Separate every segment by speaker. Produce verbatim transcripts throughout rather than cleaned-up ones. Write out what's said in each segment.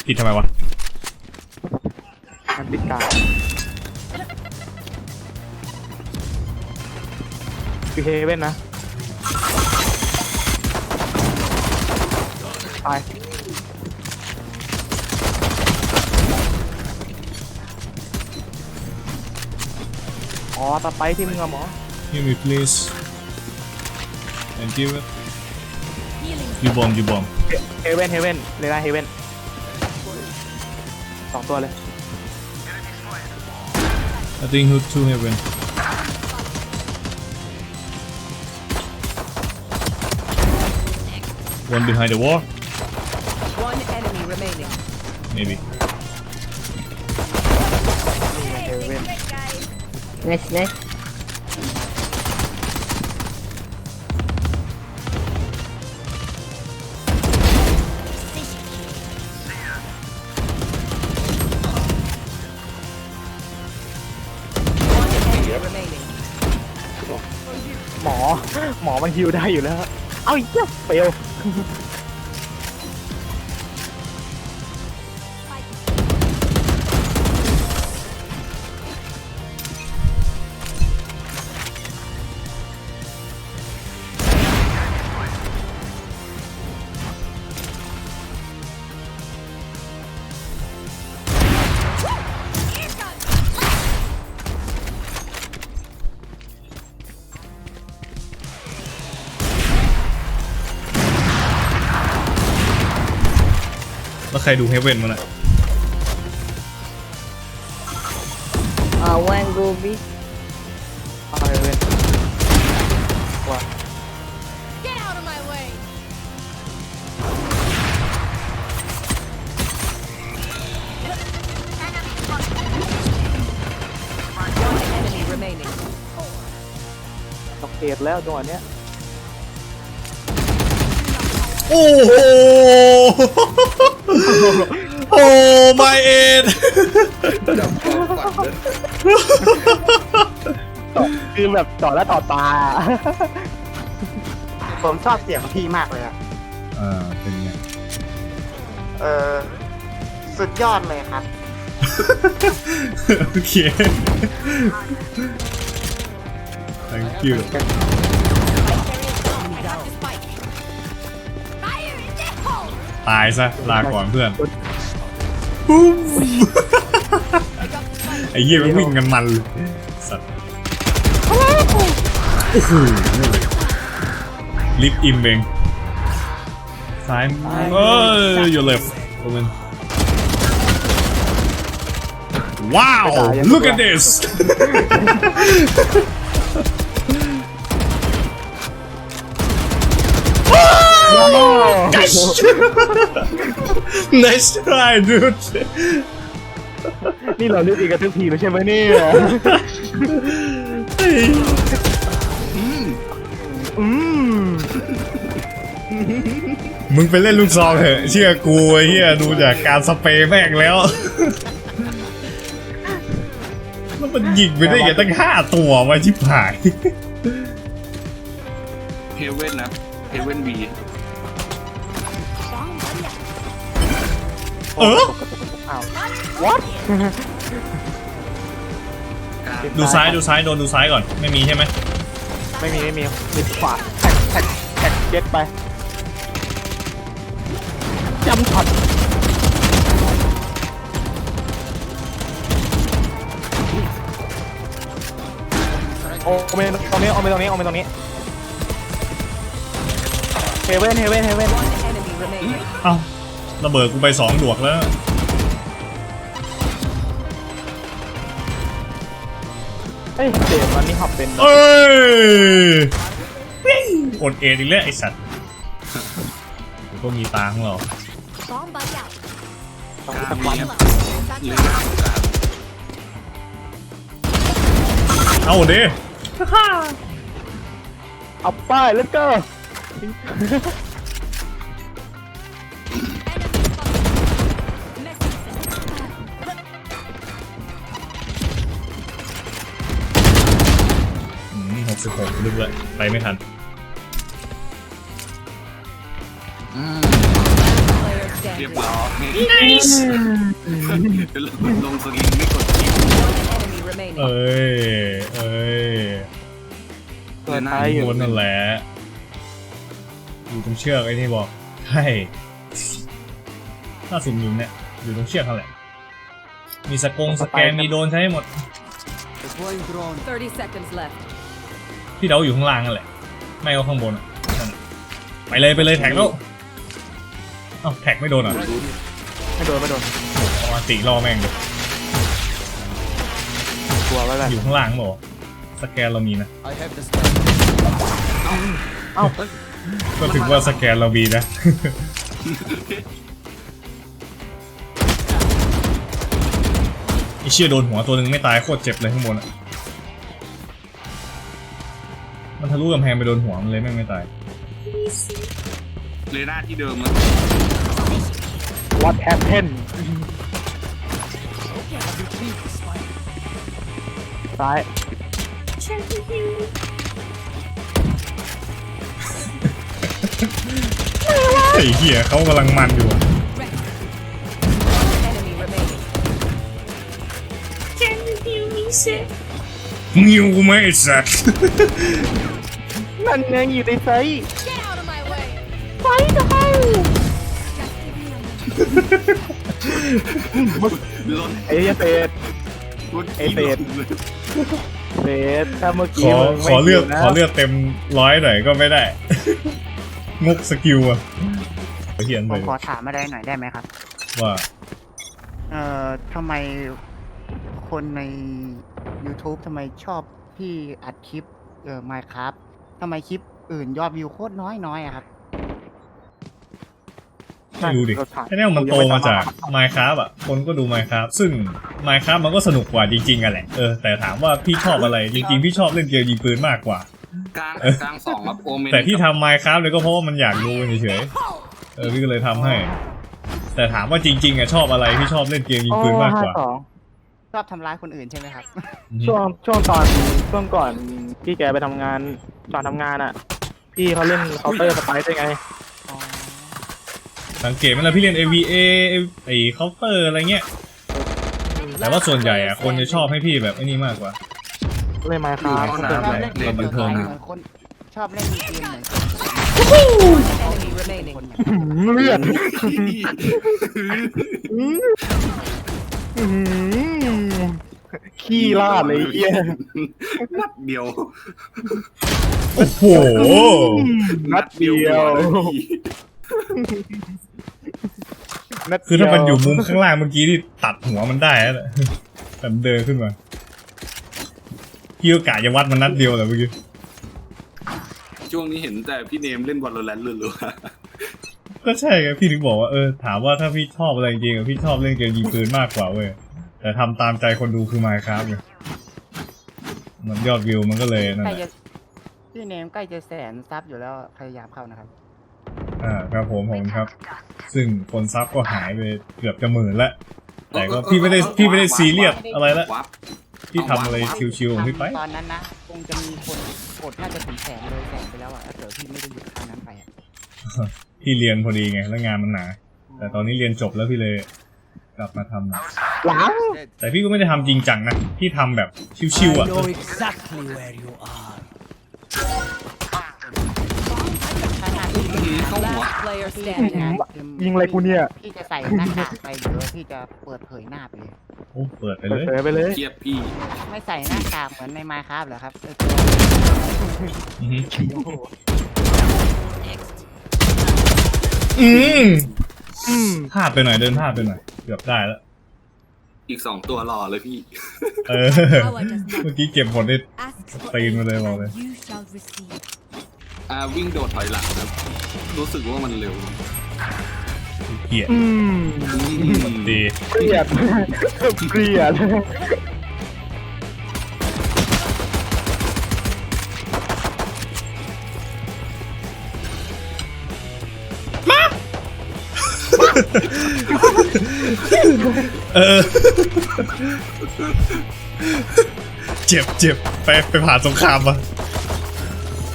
Speaker 1: ปิดทำไมวะ
Speaker 2: มันปิดกาคือเฮเว่นนะตายอ๋อตะไปที่มึงอะหมอ
Speaker 1: Heal me please Thank you ยูบอมยูบอม
Speaker 2: เฮเว่นเฮเว่นเลยนะเฮเว่นสองตัวเลย
Speaker 1: I think who two heaven one behind the wall
Speaker 3: One enemy remaining.
Speaker 1: maybe
Speaker 2: เฮเว่น
Speaker 4: Nice, nice.
Speaker 3: One enemy remaining.
Speaker 2: หมอหมอมันฮิวได้อยู่แล้วเอ้าอีกแล้วเฟล
Speaker 1: แล้วใครดูเฮเว่นมั้งน่ะ
Speaker 4: Uh, one go B.
Speaker 2: เอาเฮเว่นว่า
Speaker 3: Get out of my way. One enemy remaining.
Speaker 2: ตกเกตแล้วจังหวะเนี้ย
Speaker 1: โอ้โหโอ้ my aid
Speaker 2: ต่อคือแบบต่อแล้วต่อตา
Speaker 5: ผมชอบเสียงพี่มากเลยอะ
Speaker 1: อ่าเป็นไง
Speaker 5: เออสุดยอดเลยครับ
Speaker 1: โอเค thank you
Speaker 3: Fire in the hole.
Speaker 1: ตายซะลาก่อนเพื่อนไอ้เหี้ยมันวิ่งกันมันเลยสัตว์โอ้โหลิฟต์อิมเบงซ้ายเอ้ย your left open ว้าว look at this nice try dude
Speaker 2: นี่เราเลือกอีกกันทุกทีแล้วใช่ไหมเนี่ยอืม
Speaker 1: มึงไปเล่นลูกซองเถอะเชื่อกูไอ้เหี้ยดูจากการสเปรย์แม่งแล้วแล้วมันยิงไปได้ยังตั้งห้าตัววะชิบหาย
Speaker 6: เฮเว่นนะเฮเว่นบี
Speaker 1: เออ
Speaker 2: อ้าว what
Speaker 1: ดูซ้ายดูซ้ายโดนดูซ้ายก่อนไม่มีใช่ไหม
Speaker 2: ไม่มีไม่มีมีขวาแท็กแท็กแท็กเจ็ตไปจำช็อตโอ้เมนตรงนี้โอเมนตรงนี้โอเมนตรงนี้เฮเว่นเฮเว่นเฮเว่น
Speaker 3: One enemy remaining.
Speaker 1: เอ้าระเบิดกูไปสองดวกแล้ว
Speaker 2: เฮ้ยเดมมันนี่หับเป็น
Speaker 1: เอ้ยอดเอ็นอีกแล้วไอสัตว์เดี๋ยวก็มีตังค์หรอก
Speaker 3: Bomb buddy out.
Speaker 2: ต้อง
Speaker 6: กลา
Speaker 2: ตะ
Speaker 6: ง
Speaker 2: วัน
Speaker 6: มีครับหรือกลางกลาง
Speaker 1: เอาดิ
Speaker 2: เอาป้ายแล้วก็
Speaker 1: หกสิบหกลึกเลยไปไม่ทัน
Speaker 3: Player standing.
Speaker 6: เรียบ
Speaker 3: standing.
Speaker 6: ร้อยลงสลิงไม่กดคิว
Speaker 3: One enemy remaining.
Speaker 1: เอ้ยเอ้ย
Speaker 2: เปิดท้ายอยู่
Speaker 1: บนนั่นแหละอยู่ตรงเชือกไอ้ที่บอกใช่ถ้าสุ่มอยู่เนี่ยอยู่ตรงเชือกนั่นแหละมีสกงสแกนมีโดนใช้ให้หมด
Speaker 3: thirty seconds left.
Speaker 1: พี่เดาอยู่ข้างล่างนั่นแหละไม่ก็ข้างบนอะนั่นแหละไปเลยไปเลยแท็กแล้วเอ้าแท็กไม่โดนเหรอ
Speaker 2: ไม่โดนไม่โดน
Speaker 1: เอามาตีล่อแม่งเลย
Speaker 2: กลัวไว้เลย
Speaker 1: อยู่ข้างล่างบอกสแกนเรามีนะ
Speaker 2: เอ้า
Speaker 1: ก็ถึงว่าสแกนเรามีนะ ไอเชี่ยโดนหัวตัวหนึ่งไม่ตายโคตรเจ็บเลยข้างบนอ่ะมันทะลุกำแพงไปโดนหัวมันเลยแม่งไม่ตาย
Speaker 6: เรน่าที่เดิมแล้ว
Speaker 2: What happened ซ้าย
Speaker 1: ไอ้เหี้ยเขากำลังมันอยู่อะ
Speaker 3: Enemy remaining.
Speaker 1: มึงยิวกูไหมไอ้สัตว์
Speaker 2: นั่นไงอยู่ในไซส์
Speaker 3: Get out of my way.
Speaker 6: รถ
Speaker 2: ไอ้เหี้ยเฟส
Speaker 6: รถ
Speaker 2: ไอ้เฟส เฟสถ้าเมื่อ
Speaker 1: ข
Speaker 2: กี้
Speaker 1: อ
Speaker 2: มึง
Speaker 1: ข
Speaker 2: ไม่
Speaker 1: อเลือก
Speaker 2: ยู่นะ
Speaker 1: ขอเลือกเต็มร้อยหน่อยก็ไม่ได้ งกสกิลอะเขียน
Speaker 7: ผ
Speaker 1: ไป
Speaker 7: มขอถามอะไรหน่อยได้ไหมครับ
Speaker 1: ว่า
Speaker 7: เอ่อทำไมคนใน YouTube ทำไมชอบพี่อัดคลิป เอ่อ Minecraft ทำไมคลิปอื่นยอดวิวโคตรน้อยน้อยอะครับ
Speaker 1: ไม่รู้ดิแค่นี้มันโตมาจาก Minecraft อ่ะคนก็ดู Minecraft ซึ่ง Minecraft มันก็สนุกกว่าจริงๆกันแหละเออแต่ถามว่าพี่ชอบอะไรจริงๆพี่ชอบเล่นเกมยิงปืนมากกว่า
Speaker 6: กลางกลางสองครับโอเมน
Speaker 1: แต่ที่ทำ Minecraft เลยก็เพราะว่ามันอยากดูเฉยๆเออพี่ก็เลยทำให้ แต่ถามว่าจริงๆอ่ะชอบอะไรพี่ชอบเล่นเกมยิงปืนมากกว่า
Speaker 2: โอ้ห้สอง
Speaker 7: ชอบทำร้ายคนอื่นใช่ไหมครับ
Speaker 2: ช่วงช่วงตอนช่วงก่อนพี่แกไปทำงานก่อนทำงานอ่ะ พี่เขาเล่นเคาน์เตอร์สไปซ์ด้วยไง
Speaker 7: อ๋อ
Speaker 1: สังเกตไหมล่ะพี่เล่น เอ วี เอ ไอ้เคาน์เตอร์อะไรเงี้ยแต่ว่าส่วนใหญ่อ่ะคนจะชอบให้พี่แบบไอ้นี่มากกว่า
Speaker 2: เล่นไมค์ครับ
Speaker 6: ห้อง
Speaker 7: ชอบ
Speaker 6: น้ำ
Speaker 7: เล่นเกม
Speaker 1: บั
Speaker 7: เหมื
Speaker 1: น
Speaker 7: อน
Speaker 1: เทิง
Speaker 7: เหมือนคน ชอบเล่นเกมเหมือน
Speaker 3: Enemy remaining.
Speaker 7: คนอย่าง
Speaker 2: เลือดขี้ลาดเลยไอ้เหี้ย
Speaker 6: นัดเดียว
Speaker 1: โอ้โห
Speaker 2: นัดเดียวนัดเดียว
Speaker 1: คือถ้ามันอยู่มุมข้างล่างเมื่อกี้ที่ตัดหัวมันได้แล้วแหละแต่มันเดินขึ้นมาพี่ก็กะจะวัดมันนัดเดียวแหละเมื่อกี้
Speaker 6: ช่วงนี้เห็นแต่พี่เนมเล่นวอลเลนรัว
Speaker 1: ก็ใช่ไงพี่ถึงบอกว่าเออถามว่าถ้าพี่ชอบอะไรจริงๆอะพี่ชอบเล่นเกมยิงปืนมากกว่าเว้ยแต่ทำตามใจคนดูคือ Minecraft ไงมันยอดวิวมันก็เลยนั่น
Speaker 7: ใกล้
Speaker 1: แหละ
Speaker 7: จะพี่เนมใกล้จะแสนซับอยู่แล้วพยายามเข้านะครับ
Speaker 1: อ่าครับผมผมครับ ซึ่งคนซับก็หายไปเกือบจะหมื่นแล้ว
Speaker 6: ๆ
Speaker 1: แต่ก็พี่ไม่ได้พี่ไม่ได้ซีเรียสอะไรละ
Speaker 6: วับ
Speaker 1: พี่ทำอะไรชิวๆของพี่ไป
Speaker 7: ตอนนั้นนะคงจะมีคนกดน่าจะถึงแสนเลยแสนไปแล้วอ่ะถ้าเกิดพี่ไม่ได้หยุดครั้งนั้นไปอ่ะ
Speaker 1: พี่เรียนพอดีไงแล้วงานมันหนาแต่ตอนนี้เรียนจบแล้วพี่เลยกลับมาทำนะ
Speaker 2: หลัง
Speaker 1: แต่พี่ก็ไม่ได้ทำจริงจังนะพี่ทำแบบชิวๆอ่ะ
Speaker 8: exactly where you are.
Speaker 6: เข้าหัว
Speaker 3: Last player
Speaker 7: พี่
Speaker 3: standing.
Speaker 2: ยิงอะไรกูเนี่ย
Speaker 7: พี่จะใส่หน้ากากไปหรือว่าพี่จะเปิดเผยหน้าไปเลย
Speaker 1: โอ้เปิดไป
Speaker 2: เปิ
Speaker 1: เล
Speaker 2: ด
Speaker 1: ย
Speaker 2: เผยไปเลย
Speaker 6: เทียบพี่
Speaker 7: ไม่ใส่หน้ากากเหมือนใน Minecraft เหรอครับเออ
Speaker 1: อือหือ
Speaker 7: โอ้โห
Speaker 1: อืม
Speaker 2: อืม
Speaker 1: พลาดไปหน่อยเดินพลาดไปหน่อยเกือบได้แล้ว
Speaker 6: อีกสองตัวหล่อเลยพี่
Speaker 1: เออเมื่อกี้เก็บผลได้ ตีนมาเลยบอกเลย
Speaker 3: You shall receive.
Speaker 6: อ่าวิ่งโดดถอยหลังครับรู้สึกว่ามันเร็ว
Speaker 1: เกลียด
Speaker 2: อืม
Speaker 1: ดี
Speaker 2: เกลียดเกลียด
Speaker 1: เออเจ็บเจ็บไปไปผ่านสงครามมา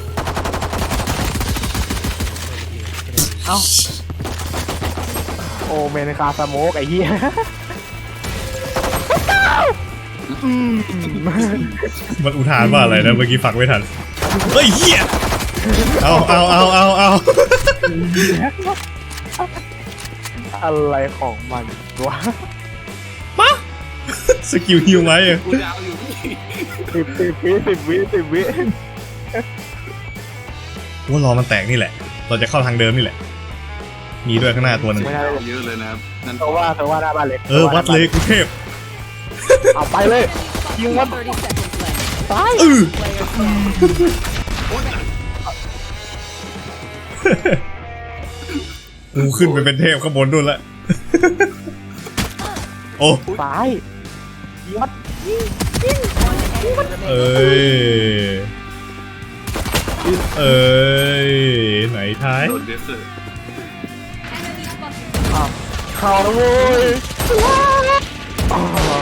Speaker 2: โอ้อเมนคาสโมกไอ้เหี้ยอืม
Speaker 1: มันอุทานว่าอะไรนะเมื่อกี้ฟังไม่ทันเฮ้ยเหี้ยเอาเอาเอาเอาเอา
Speaker 2: อะไรของมันวะ
Speaker 1: สกิลฮิวไหมอะ
Speaker 6: กูดาวอยู่พี่
Speaker 2: สิบสิบวิสิบวิสิบวิ
Speaker 1: ว่ารอมันแตกนี่แหละ เราจะเข้าทางเดิมนี่แหละ มีด้วยข้างหน้าตัวหนึง
Speaker 2: ไม่ได้เลย
Speaker 6: เยอะเลยนะครับนั่น
Speaker 2: เพราะว่าเพราะว่าหน้าบ้านเล็ก
Speaker 1: เออวัดเลยกรุงเทพ
Speaker 2: เอาไปเลยยิงวัด
Speaker 3: thirty seconds left.
Speaker 2: ตาย
Speaker 1: เออ
Speaker 3: Player standing.
Speaker 1: กูขึ้นไปเป็นเทพข้างบนด้วยละ โอ้
Speaker 2: ตายยัด
Speaker 1: เอ้ย เอ้ย ไหนท้าย
Speaker 6: โดนเดสเซอร์
Speaker 2: เข้าแล้วเว้ยอ๋อ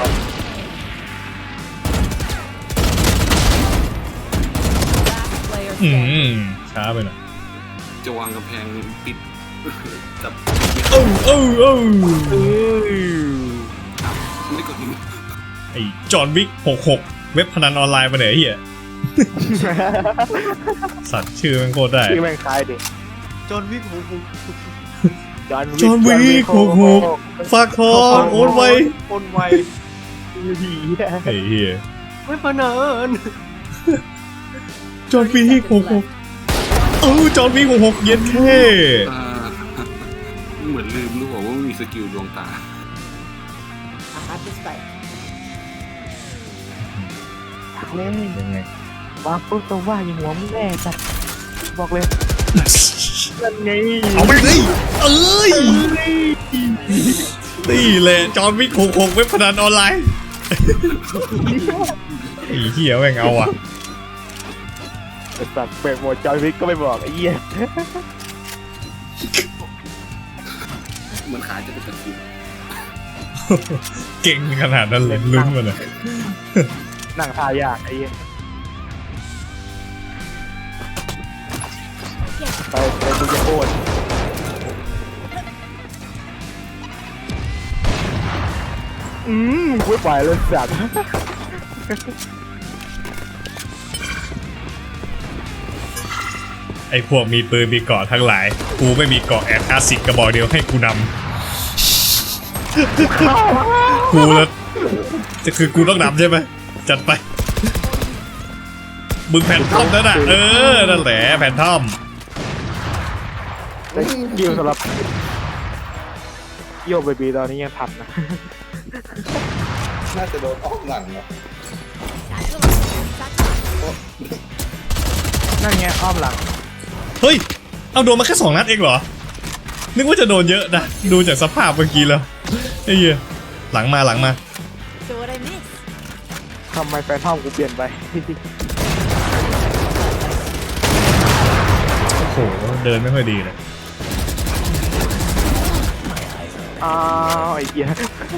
Speaker 3: Player
Speaker 1: อื
Speaker 3: standing.
Speaker 1: มช้าไปหน่อย
Speaker 6: จะวางกำแพงปิดจับ
Speaker 1: เอ้าเอ้าเอ้า
Speaker 2: เอ้ย
Speaker 6: ไม่กดหิน
Speaker 1: ไอ้จอห์นวิกหกหกเว็บพนันออนไลน์มาไหนยไอ้เหี้ย สัตว์ชื่อมันโคตรได้
Speaker 2: ชื่อแม่งคล้ายดิ
Speaker 7: จนวิกหูหู
Speaker 2: จอห์น
Speaker 1: จอห์นวิกหกหกฝากทองโอนไว
Speaker 7: โอนไว
Speaker 2: ผี
Speaker 1: ไอ้เหี้ย
Speaker 7: ไม่พนัน
Speaker 1: จอห์นวิกหกหกเออจอห์นวิกหกหกเย็นแค่
Speaker 6: อ่าเหมือนลืมรู้ว่ามันมีสกิลดวงตา
Speaker 2: เล่น
Speaker 1: ยังไง
Speaker 2: วางปุ๊บตัวว่ายิงหัวมึงแน่จัดบอกเลยนั่นไง
Speaker 1: เอาไปเลยเอ้ยนี่แหละจอห์นวิกหกหกเว็บพนันออนไลน์ไอ้เหี้ยแม่งเอาอ่ะ
Speaker 2: สัตว์เปิดโหมดจอห์นวิกก็ไม่บอกไอ้เหี้ย
Speaker 6: เหมือนขาจะเป็นตะคิว
Speaker 1: เก่งขนาดนั้นเลยลุ้นมันอ่ะ
Speaker 2: นั่งทายากไอ้เหี้ยไปไปดูจะโคตรอืมกูไปเลยสัตว์
Speaker 1: ไอ้พวกมีปืนมีเกราะทั้งหลาย กูไม่มีเกราะแอดอาสิกกระบอกเดียวให้กูนำกูแล้วจะคือกูต้องนำใช่ไหมจัดไปมึงแผ่นทอมนั่นน่ะเออนั่นแหละแผ่นทอม
Speaker 2: แต่ยิวสำหรับโยบเบบีตอนนี้ยังทันนะ
Speaker 6: น่าจะโดนออกหลังเนาะ
Speaker 2: นั่นไงอ้อมหลัง
Speaker 1: เฮ้ยเอาโดนมาแค่สองนัดเองเหรอนึกว่าจะโดนเยอะนะดูจากสภาพเมื่อกี้แล้วไอ้เหี้ยหลังมาหลังมา
Speaker 3: So what I miss?
Speaker 2: ทำไมแฟนท่อมกูเปลี่ยนไป
Speaker 1: โอ้โหเดินไม่ค่อยดีเลย
Speaker 2: อ้าวไอ้เหี้ย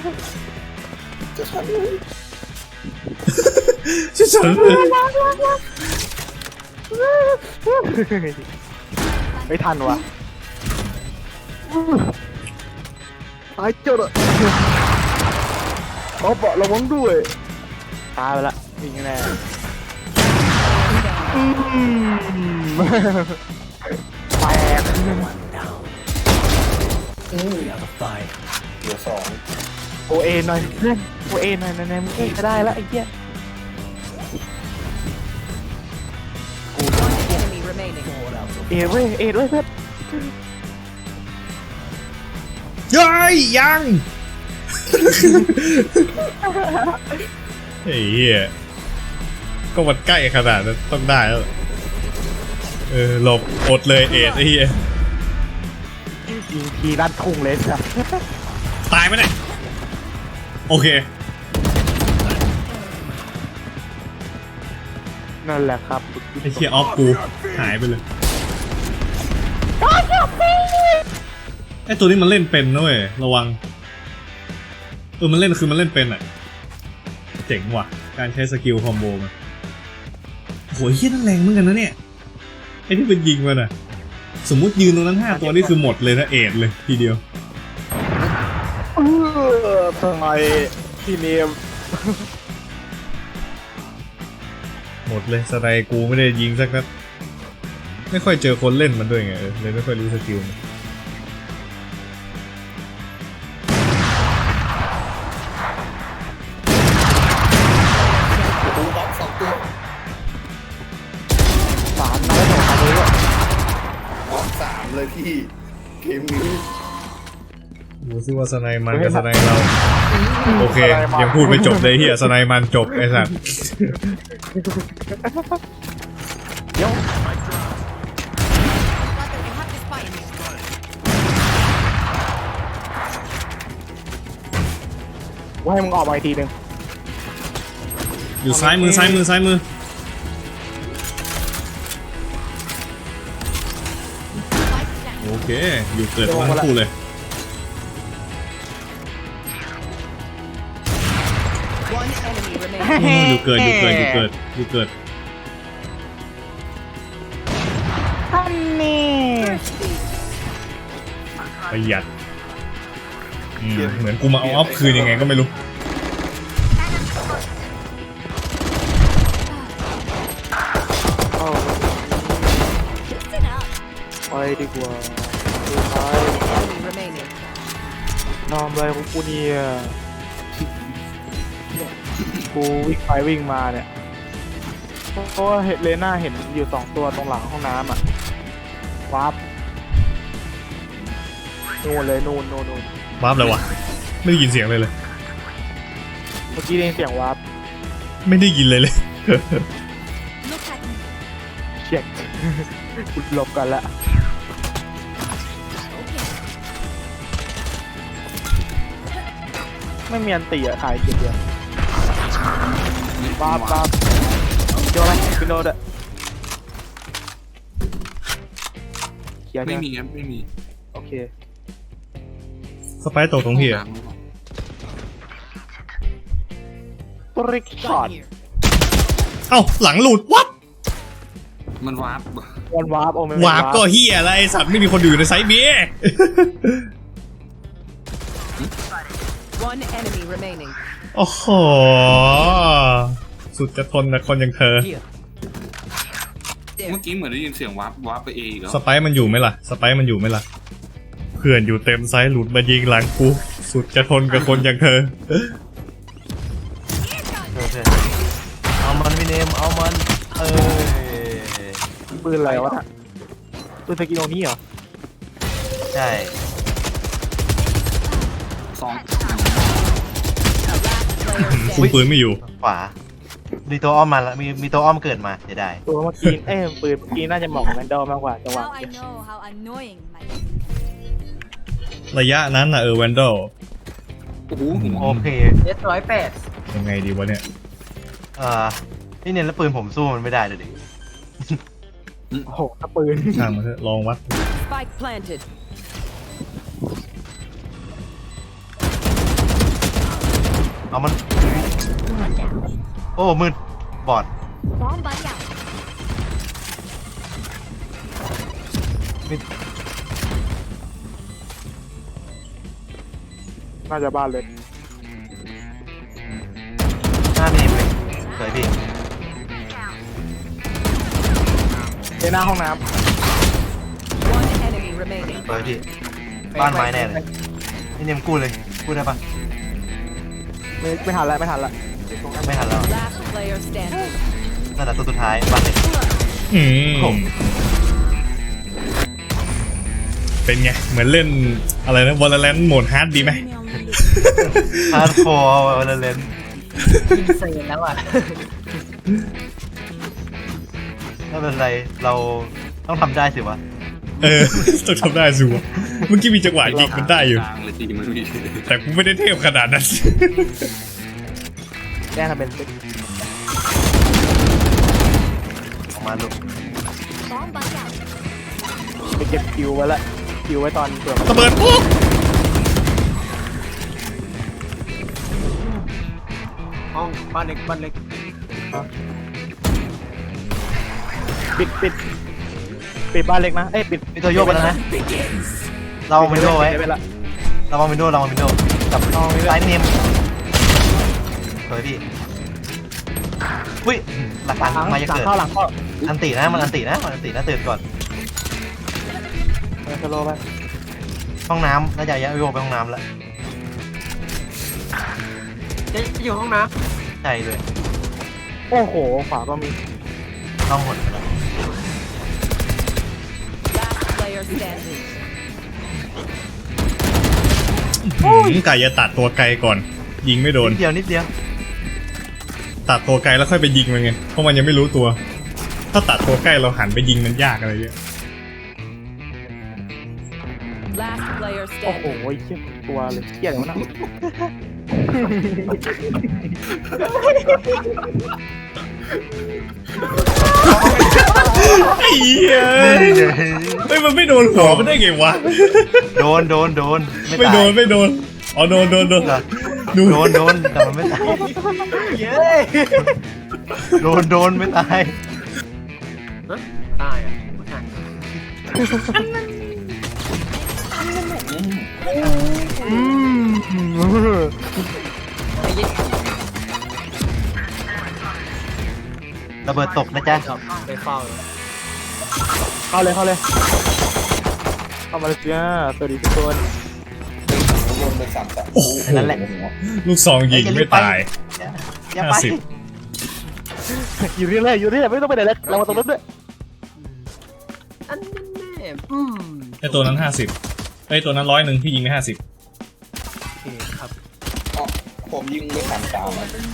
Speaker 1: ชิฉันเลย
Speaker 2: ไม่ทันวะตายเจ้าละเอาเบาะระวังด้วยตายไปละยิงแน่อืมแปด
Speaker 8: Five.
Speaker 2: โอเอหน่อยเพื่อนโอเอหน่อยไหนๆมึงเองก็ได้แล้วไอ้เหี้ย
Speaker 3: One enemy remaining.
Speaker 2: เอเว้ยเอเว้ยเพื่อน
Speaker 1: ย้อยยังไอ้เหี้ยก็มันใกล้ขนาดนั้นต้องได้แล้วเออหลบอดเลยเอ็ดไอ้เหี้ย
Speaker 2: ยิงทีด้านทุ่งเลยจ้ะ
Speaker 1: ตายไหมเนี่ยโอเค
Speaker 2: นั่นแหละครับ
Speaker 1: ไอ้เคียออฟกูหายไปเลยไอ้ตัวนี้มันเล่นเป็นนะเว้ยระวังเออมันเล่นคือมันเล่นเป็นอ่ะเจ๋งว่ะการใช้สกิลคอมโบมันโหเฮี้ยนั่นแรงเหมือนกันนะเนี่ยไอ้ที่เป็นยิงมันอ่ะสมมุติยืนตรงนั้นห้าตัวนี่คือหมดเลยนะเอ็ดเลยทีเดียว
Speaker 2: อทำไมพี่เนม
Speaker 1: หมดเลยสไนกูไม่ได้ยิงสักนัดไม่ค่อยเจอคนเล่นมันด้วยไงเออเลยไม่ค่อยรู้สกิลมัน
Speaker 2: สามนัดแล้วสองนัดเลย
Speaker 5: บล็อกสามเลยพี่เกมนี้
Speaker 1: ดูซิว่าสไนมันกับสไนเราโอเคยังพูดไม่จบเลยเฮียสไนมันจบไอ้สัส
Speaker 2: เดี๋ยว
Speaker 3: I have to spy in you.
Speaker 2: ว่าให้มึงออกมาอีกทีหนึ่ง
Speaker 1: อยู่ซ้ายมือซ้ายมือซ้ายมือ
Speaker 3: Spike down.
Speaker 1: โอเคอยู่เกิดทั้งคู่เลย
Speaker 3: One enemy remaining.
Speaker 1: อืมอยู่เกิดอยู่เกิดอยู่เกิดอยู่เกิด
Speaker 7: ท่านนี่
Speaker 1: ประหยัดอืมเหมือนกูมาเอาออฟคืนยังไงก็ไม่รู้
Speaker 2: เอา
Speaker 3: Listen up.
Speaker 2: ไปดีกว่าสุดท้าย
Speaker 3: Enemy remaining.
Speaker 2: นอมอะไรของกูเนี่ยกูวิ่งไปวิ่งมาเนี่ยเพราะว่าเห็นเลน่าเห็นอยู่สองตัวตรงหลังห้องน้ำอ่ะวาร์ปนู่นเลยนู่นนู่นนู่น
Speaker 1: วาร์ปเลยวะไม่ได้ยินเสียงเลยเลย
Speaker 2: เมื่อกี้ได้ยินเสียงวาร์ป
Speaker 1: ไม่ได้ยินเลยเลย
Speaker 3: Look at me.
Speaker 2: เช็ค กูหลบกันละ
Speaker 3: Okay.
Speaker 2: ไม่มีอันตีอะขายเกียร์เดียววาร์ปวาร์ปเจอไหมพี่โน้ตอะเคลียร์
Speaker 6: ไม่
Speaker 2: ใช่ไหม
Speaker 6: มีครับไม่มี
Speaker 2: โอเค
Speaker 1: สไปร์ตกตรงพี่อะ
Speaker 2: ตริกช็อต
Speaker 3: Gun here.
Speaker 1: เอ้าหลังหลุดวับ
Speaker 6: มันวาร์ป
Speaker 2: วันวาร์ปโอ้ไม่
Speaker 1: วาร์ปก็เฮียอะไรไอ้สัตว์ไม่มีคนอยู่ในไซส์เบีย
Speaker 3: One enemy remaining.
Speaker 1: โอ้โหสุดจะทนนะคนอย่างเธอ
Speaker 8: Here.
Speaker 6: เมื่อกี้เหมือนได้ยินเสียงวาร์ปวาร์ปไปเองแล้ว
Speaker 1: สไปร์มันอยู่ไหมล่ะสไปร์มันอยู่ไหมล่ะเพื่อนอยู่เต็มไซส์หลุดมายิงหลังกูสุดจะทนกับคนอย่างเธอ
Speaker 8: เอามันพี่เนมเอามันเออ
Speaker 2: ปืนอะไรวะน่ะปืนสกินโอนี่เหรอ
Speaker 8: ใช่
Speaker 6: สอง
Speaker 3: Player
Speaker 1: คุม
Speaker 3: standing.
Speaker 1: ปืนไม่อยู่
Speaker 8: ขวามีตัวอ้อมมาแล้วมีมีตัวอ้อมเกิดมาเดี๋ยวได้
Speaker 2: ตัวเมื่อกี้เอ้ยปืนเมื่อกี้น่าจะเหมาะกับแมนดอลมากกว่าจังหวะ
Speaker 3: Now I know how annoying my
Speaker 1: ระยะนั้นน่ะเออแวนดอล
Speaker 6: โอ้โหผม
Speaker 8: โอเค
Speaker 4: เจ็ดร้อยแปด
Speaker 1: ยังไงดีวะเนี่ย
Speaker 8: เอ่อพี่เนมแล้วปืนผมสู้มันไม่ได้เลยดิ
Speaker 2: โอ้โหถ้าปืน
Speaker 1: ช่างมันเถอะลองวัด
Speaker 3: spike planted.
Speaker 8: เอามันโอ้มืดบอด
Speaker 3: Bomb buddy out.
Speaker 2: น่าจะบ้านเลย
Speaker 8: หน้าพี่เนมเลยสวยพี่
Speaker 2: ในหน้าห้องน้
Speaker 3: One enemy remaining.
Speaker 8: สวยพี่บ้านไม้แน่เลยพี่เนมกู้เลยกู้ได้ปะ
Speaker 2: ำไม่ไม่ทันละไม่ทันละ
Speaker 8: ไม่ทันแล้ว
Speaker 3: Last player standing.
Speaker 8: นั่นแหละตัวสุดท้ายบ้านเล็ก
Speaker 1: อืม
Speaker 8: ผม
Speaker 1: เป็นไง เหมือนเล่นอะไรนะวอลเลนโหมดฮาร์ดดีไหม
Speaker 8: ฮาร์ดคอร์วอลเลน
Speaker 4: อินเซนแล้วอ่ะ
Speaker 8: ไม่เป็นไรเราต้องทำได้สิวะ
Speaker 1: เออ ต้องทำได้สิวะเมื่อกี้มีจังหวะยิงมันได้อยู่
Speaker 6: กลางเลยทีมันมี
Speaker 1: แต่กูไม่ได้เทพขนาดนั้น
Speaker 2: แจ้งทำเป็นติ๊ก
Speaker 8: ออกมาลูก
Speaker 3: Bomb buddy out.
Speaker 2: ไปเก็บคิวไว้ละคิวไว้ตอนเปิด
Speaker 1: ระเบิดปุ๊บ
Speaker 2: ห้องบ้านเล็กบ้านเล็กปิดปิดปิดบ้านเล็กนะเอ้ยปิด
Speaker 8: มีตัวโยกไปแล้วนะเราเอาวินโดว์ไว้
Speaker 2: ปิดไปละ
Speaker 8: เราเอาวินโดว์เราเอาวินโดว์กับซ้ายเนมสวยพี่อุ้ยหลัก
Speaker 2: หลัง
Speaker 8: ฐานมาจะ
Speaker 2: หลัง
Speaker 8: เกิด
Speaker 2: เข้าหลังเข้า
Speaker 8: อันตินะมันอันตินะมันอันตินะตื่นก่อน
Speaker 2: ไปสโลว์ไป
Speaker 8: ห้องน้ำน่าจะย้ายโยไปห้องน้ำแล้ว
Speaker 4: จะอยู่ห้องน้
Speaker 8: ใช่เลย
Speaker 2: โอ้โหขวาก็มี
Speaker 8: ต้องหมดไปแล้ว
Speaker 3: Last player standing.
Speaker 1: หืมไก่จะตัดตัวไกลก่อน ยิงไม่โดน
Speaker 8: นิดเดียวนิดเดียว
Speaker 1: ตัดตัวไกลแล้วค่อยไปยิงมันไงเพราะมันยังไม่รู้ตัว ถ้าตัดตัวใกล้เราหันไปยิงมันยากอะไรเงี้ย
Speaker 3: Last player
Speaker 2: โอ้โห
Speaker 3: standing.
Speaker 2: เชี่ยตัวเลยเชี่ยเลยวะนะ
Speaker 1: ไอ้เหี้ยเฮ้ยมันไม่โดนหัวมันได้ไงวะ
Speaker 8: โดนโดนโดน
Speaker 1: ไม่โดนไม่โดนอ๋อโดนโดนโดน
Speaker 8: เหรอ
Speaker 1: ดู
Speaker 8: โดนโดนแต่มันไม่ตายโดนโดนไม่ตาย
Speaker 4: ำตายอ่ะไม่ทัน
Speaker 2: อืม
Speaker 4: ไอ้ยิ่ง
Speaker 8: ระเบิดตกนะจ๊ะ
Speaker 4: จบไปเฝ้าเลย
Speaker 2: เข้าเลยเข้าเลยเข้ามาเลยจ้าสวัสดีทุกคน
Speaker 1: โอ้โห
Speaker 8: นั่นแหละ
Speaker 1: ลูกซองยิงไม่ตาย
Speaker 8: อย่าไป
Speaker 1: ห้าสิบ
Speaker 2: อยู่ที่ไหนอยู่ที่ไหนไม่ต้องไปไหนแล้วเรามาตรงนั้นด้วย
Speaker 4: อันนี้แน่อืม
Speaker 1: ไอตัวนั้นห้าสิบไอตัวนั้นร้อยหนึ่งพี่ยิงไปห้าสิบ
Speaker 4: โอเคครับ
Speaker 5: ผมยิงไม่ทันตาม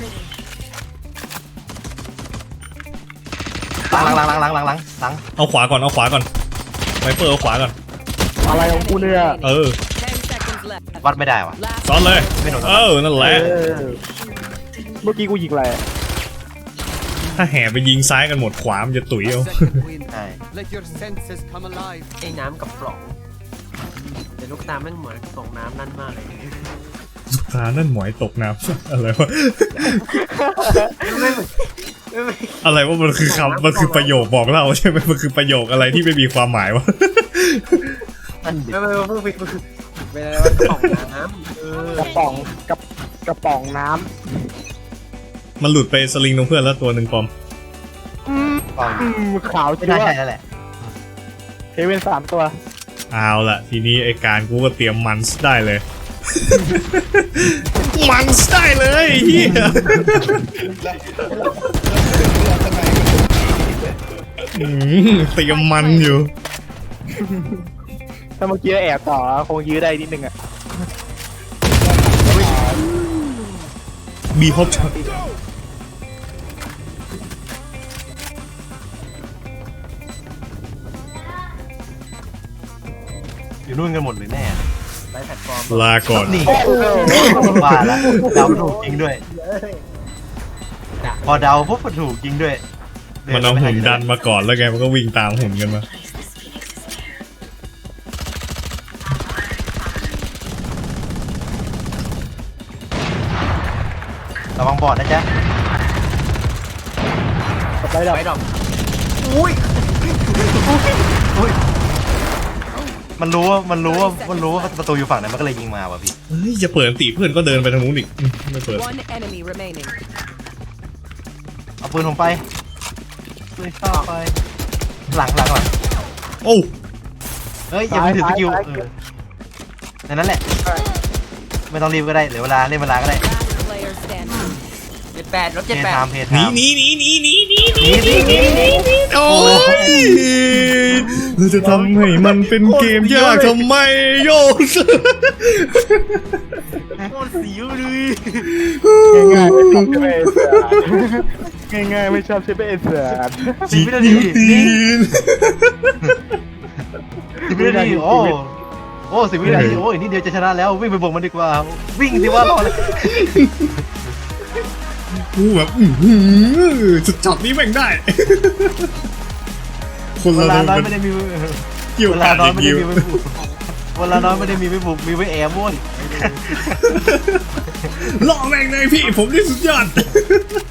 Speaker 8: หลังหลังหลังหลังหลังหลังหลัง
Speaker 1: เอาขวาก่อนเอาขวาก่อนไวเปอร์เอาขวาก่อน
Speaker 2: อะไรของกูเนี่ย
Speaker 1: เออ
Speaker 3: Ten seconds left.
Speaker 8: วัดไม่ได้ว่ะ
Speaker 3: Last
Speaker 1: ซ้อนเลย
Speaker 8: ไม่โดน
Speaker 1: เออนั่นแหละ
Speaker 2: เออเมื่อกี้กูยิงอะไรอะ
Speaker 1: ถ้าแห่ไปยิงซ้ายกันหมดขวามันจะตุ๋ยเอา
Speaker 8: ใช่
Speaker 4: ไอ้น้ำกับปล่องแต่ลูกตาแม่งเหมือนกระป๋องน้ำนั่นมากเลย
Speaker 1: สุขานั่นหมอยตกน้ำ อะไรวะ
Speaker 4: ไม่ไม่ไม่
Speaker 1: อะไรว่ามันคือคำมันคือประโยคบอกเล่าใช่ไหมมันคือประโยคอะไรที่ไม่มีความหมายวะ
Speaker 8: นั่นดิ
Speaker 4: ไม่ไม่ไม่ไม่ไม่เป็นอะไรวะกระป๋องน้ำเออก
Speaker 2: ระป๋องกระกระป๋องน้
Speaker 1: มันหลุดไปสลิงตรงเพื่อนแล้วตัวหนึ่งปอม
Speaker 2: ำอืม
Speaker 8: กอง
Speaker 2: อืมขาว
Speaker 8: ไม่
Speaker 2: จั
Speaker 8: น่า
Speaker 2: ๊ว
Speaker 8: ใช่แล้วแหละ
Speaker 2: เฮเว่นสามตัว
Speaker 1: เอาละทีนี้ไอการกูก็เตรียมมันส์ได้เลย มันส์ได้เลยเฮียอืมเตรียมมันอยู่
Speaker 2: ถ้าเมื่อกี้แอบต่อคงยื้อได้นิดนึงอ่ะ
Speaker 1: บีพบช็อต
Speaker 8: อยู่นู่นกันหมดเลยแน่
Speaker 4: ไร้แพลตฟอร์ม
Speaker 1: ลาก่อน
Speaker 8: นี่ว่าแล้วเดาถูกจริงด้วย พอเดาปุ๊บก็ถูกจริงด้วย
Speaker 1: มันเอาหุ่นดันมาก่อนแล้วไงมันก็วิ่งตามหุ่นกันมา
Speaker 8: ระวังบอดนะจ๊ะ
Speaker 2: ไปดับ
Speaker 4: ไปดอกอุ้ย
Speaker 8: มันรู้ว่ามันรู้ว่ามันรู้ว่าประตูอยู่ฝั่งไหนมันก็เลยยิงมาว่ะพี่
Speaker 1: เฮ้ยจะเปิดอันติเพื่อนก็เดินไปทางนู้นอีกอืมไม่เปิด
Speaker 3: One enemy remaining.
Speaker 8: เอาปืนผมไปปืนเข้าไป หลังหลังหลัง
Speaker 1: โอ้
Speaker 8: เฮ้ยอย่าเพิ่งถือสกิลเออในนั้นแหละ ไม่ต้องรีบก็ได้เหลือเวลาเล่นเวลาก็ได้
Speaker 3: Last player standing.
Speaker 4: เจ็ดแปดลบ
Speaker 8: เพ
Speaker 4: เจ็ด
Speaker 8: ย์
Speaker 4: แปด
Speaker 8: ไทม์เพย์
Speaker 1: ห
Speaker 8: ไท
Speaker 1: นี
Speaker 8: ม์
Speaker 1: หนีหนีหนีหนีหนีหนี
Speaker 8: หนีหนีหนีหนี
Speaker 1: โอ้ยเราจะทำให้มันเป็นเกมยากทำไมโยน
Speaker 8: โคตรสิวเลย
Speaker 2: ง่ายๆไม่ชอบใช่ไหมไอ้เสือง่ายๆไม่ชอบใช่ไหมไอ้เสือ
Speaker 8: สิบวินาทีนี่สิบวินาทีโอ้โอ้สิบวินาทีโอ้ยนี่เดียวจะชนะแล้ววิ่งไปบวกมันดีกว่า วิ่งสิว่ารอเลย
Speaker 1: กูแบบอื้อหือจุดจับนี้แม่งได้ คน
Speaker 8: เว
Speaker 1: ละ
Speaker 8: ลา
Speaker 1: เดิ
Speaker 8: น้อย
Speaker 1: น
Speaker 8: ไม่ได้มี
Speaker 1: เกี่ยว
Speaker 8: เว
Speaker 1: กั
Speaker 8: ลาน น้อย
Speaker 1: อี
Speaker 8: ไม่
Speaker 1: ก
Speaker 8: ได้
Speaker 1: ยิว
Speaker 8: มีไว้บุกเวลาน้อยไม่ได้มีไว้บุกมีไว้แอบโว้ย
Speaker 1: ล่อแม่งเลยพี่ผมนี่สุดยอด